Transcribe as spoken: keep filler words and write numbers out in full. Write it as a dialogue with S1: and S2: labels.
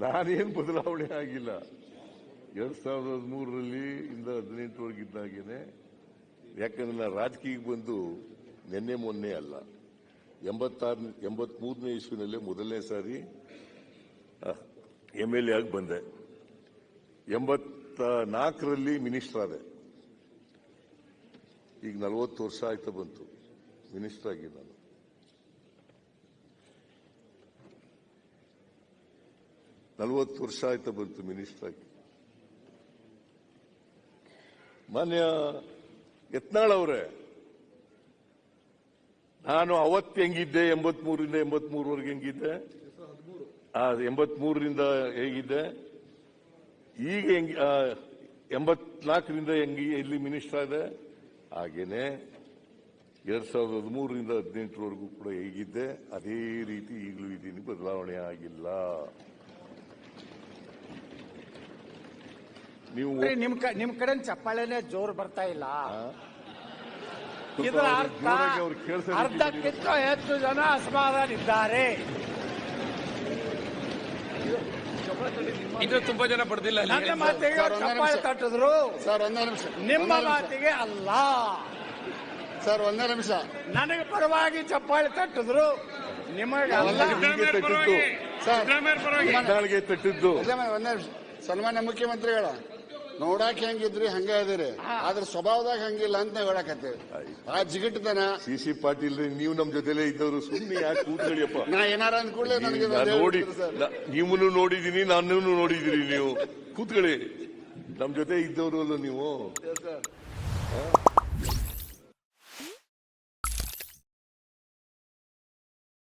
S1: ನಾನೇನು ಬದಲಾವಣೆ ಆಗಿಲ್ಲ. ಎರಡ್ ಸಾವಿರದ ಹದಿಮೂರರಲ್ಲಿ ಇಂದ ಹದಿನೆಂಟರವರೆಗಿದ್ದಾಗೇನೆ, ಯಾಕಂದ್ರೆ ನಾನು ರಾಜಕೀಯಕ್ಕೆ ಬಂದು ನಿನ್ನೆ ಮೊನ್ನೆ ಅಲ್ಲ, ಎಂಬತ್ತಾರು ಎಂಬತ್ ಮೂರನೇ ಇಸ್ವಿನಲ್ಲೇ ಮೊದಲನೇ ಸಾರಿ ಎಂ ಎಲ್ ಎ ಆಗಿ ಬಂದೆ. ಎಂಬತ್ತ ನಾಲ್ಕರಲ್ಲಿ ಮಿನಿಸ್ಟರ್ ಆದೆ. ಈಗ ನಲವತ್ತು ವರ್ಷ ಆಯ್ತಾ ಬಂತು ಮಿನಿಸ್ಟರ್ ಆಗಿ. ನಾನು ನಲವತ್ತು ವರ್ಷ ಆಯ್ತಾ ಬಂತು ಮಿನಿಸ್ಟರ್ ಆಗಿ. ಮಾನ್ಯ ಯತ್ನಾಳ್ ಅವರೇ, ನಾನು ಅವತ್ತು ಹೆಂಗಿದ್ದೆ, ಎಂಬತ್ ಮೂರರಿಂದ ಎಂಬತ್ ಮೂರವರೆಗೆ ಹೆಂಗಿದ್ದೆ, ಆ ಎಂಬತ್ ಮೂರರಿಂದ ಹೇಗಿದ್ದೆ, ಈಗ ಹೆಂಗ್ ಎಂಬತ್ನಾಲ್ಕರಿಂದ ಹೆಂಗಿ ಎಲ್ಲಿ ಮಿನಿಸ್ಟರ್ ಆದೆ, ಹಾಗೇನೆ ಎರಡ್ ಸಾವಿರದ ಹದಿಮೂರರಿಂದ ಹದಿನೆಂಟರವರೆಗೂ ಕೂಡ ಹೇಗಿದ್ದೆ ಅದೇ ರೀತಿ ಈಗಲೂ ಇದ್ದೀನಿ, ಬದಲಾವಣೆ ಆಗಿಲ್ಲ. ನೀವು
S2: ನಿಮ್ ನಿಮ್ ಕಡೆ ಚಪ್ಪಾಳೆನೆ ಜೋರು ಬರ್ತಾ ಇಲ್ಲ. ಇದರ ಅರ್ಥ ಅರ್ಧಕ್ಕಿಂತ ಹೆಚ್ಚು ಜನ ಅಸಮಾಧಾನಿದ್ದಾರೆ.
S3: ಇನ್ನು ತುಂಬಾ ಜನ ಪಡೆದಿಲ್ಲ.
S2: ನನ್ನ ಮಾತಿಗೆ ಚಪ್ಪಾಳೆ ತಟ್ಟಿದ್ರು,
S4: ಸರ್ ಒಂದೇ ನಿಮಿಷ.
S2: ನಿಮ್ಮ ಮಾತಿಗೆ ಅಲ್ಲ.
S4: ಸರ್ ಒಂದೇ ನಿಮಿಷ.
S2: ನನಗೆ ಪರವಾಗಿ ಚಪ್ಪಾಳೆ ತಟ್ಟಿದ್ರು, ನಿಮಗೆ ಅಲ್ಲ.
S1: ತಟ್ಟಿದ್ದು ತಟ್ಟಿದ್ದು
S4: ಒಂದೇ ನಿಮಿಷ. ಸನ್ಮಾನ್ಯ ಮುಖ್ಯಮಂತ್ರಿಗಳ ನೋಡಾಕ ಹೆಂಗಿದ್ರಿ ಹಂಗ ಇದೀರಿ, ಆದ್ರೆ ಸ್ವಭಾವದಾಗ ಹಂಗಿಲ್ಲ ಅಂತ ನಾವು ಹೇಳಕತ್ತೇವೆ. ಆ ಜಿಗಟ್ಟತನ
S1: ಸಿ ಸಿ ಪಾಟೀಲ್ ನೀವು ನಮ್ ಜೊತೆಲೇ ಇದ್ದವರು, ಸುಮ್ಮನೆ ಯಾಕೆ ಕೂತ್ಗಳಿಯಪ್ಪ.
S4: ನಾ ಏನಾರ ಅಂದ್ಕೂಡ್ಲೆ ನನಗೆ
S1: ನೋಡಿ, ನೀವನು ನೋಡಿದೀನಿ, ನಾನು ನೋಡಿದಿರಿ. ನೀವು ಕೂತ್ಕೊಳ್ಳಿ, ನಮ್ ಜೊತೆ ಇದ್ದವರು ಅಲ್ಲ ನೀವು.